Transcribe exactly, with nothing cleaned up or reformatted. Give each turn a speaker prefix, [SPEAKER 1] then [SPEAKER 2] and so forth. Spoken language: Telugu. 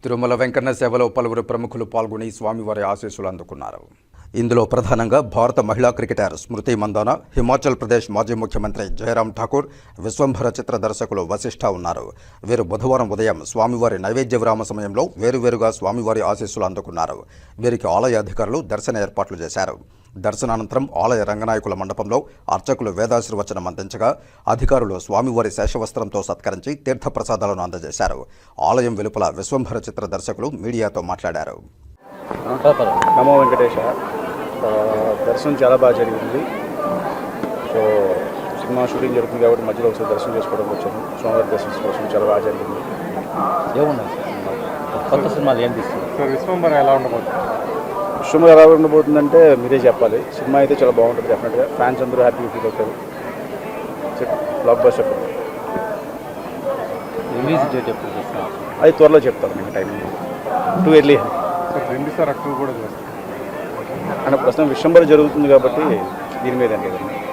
[SPEAKER 1] తిరుమల వెంకన్న సేవలో పలువురు ప్రముఖులు పాల్గొని స్వామివారి ఆశీస్సులు అందుకున్నారు. ఇందులో ప్రధానంగా భారత మహిళా క్రికెటర్ స్మృతి మందాన, హిమాచల్ ప్రదేశ్ మాజీ ముఖ్యమంత్రి జయరాం ఠాకూర్, విశ్వంభర చిత్ర దర్శకులు వశిష్ఠ ఉన్నారు. వీరు బుధవారం ఉదయం స్వామివారి నైవేద్య విరామ సమయంలో వేరువేరుగా స్వామివారి ఆశీస్సులు అందుకున్నారు. వీరికి ఆలయ అధికారులు దర్శన ఏర్పాట్లు చేశారు. దర్శనానంతరం ఆలయ రంగనాయకుల మండపంలో అర్చకులు వేదాశీర్వచనం అందించగా అధికారులు స్వామివారి శేషవస్త్రంతో సత్కరించి తీర్థప్రసాదాలను అందజేశారు. ఆలయం వెలుపల విశ్వంభర చిత్ర దర్శకులు మీడియాతో మాట్లాడారు.
[SPEAKER 2] నమో వెంకటేశ. దర్శనం చాలా బాగా జరిగింది. సో సినిమా షూటింగ్ జరుగుతుంది కాబట్టి మధ్యలో ఒకసారి దర్శనం చేసుకోవడం వచ్చాను. స్వామివారి దర్శనం కోసం చాలా బాగా జరిగింది.
[SPEAKER 3] ఏమున్నాయి కొత్త సినిమాలు ఏం తీస్తుంది?
[SPEAKER 2] విశ్వంభర ఎలా ఉండబోతుంది విశ్వంభర ఎలా ఉండబోతుందంటే మీరే చెప్పాలి. సినిమా అయితే చాలా బాగుంటుంది. డెఫినెట్గా ఫ్యాన్స్ అందరూ హ్యాపీగా ఫీల్ అవుతారు. బ్లాక్ బస్టర్
[SPEAKER 3] రిలీజ్ డేట్ ఎప్పుడు చేస్తాను
[SPEAKER 2] అది త్వరలో చెప్తాను. మీకు టైం టూ ఎర్లీ
[SPEAKER 4] రెండు సార్ అక్టోబర్ కూడా చేస్తాను
[SPEAKER 2] అంటే ప్రస్తుతం విశ్వంభర జరుగుతుంది కాబట్టి దీని మీద అంటే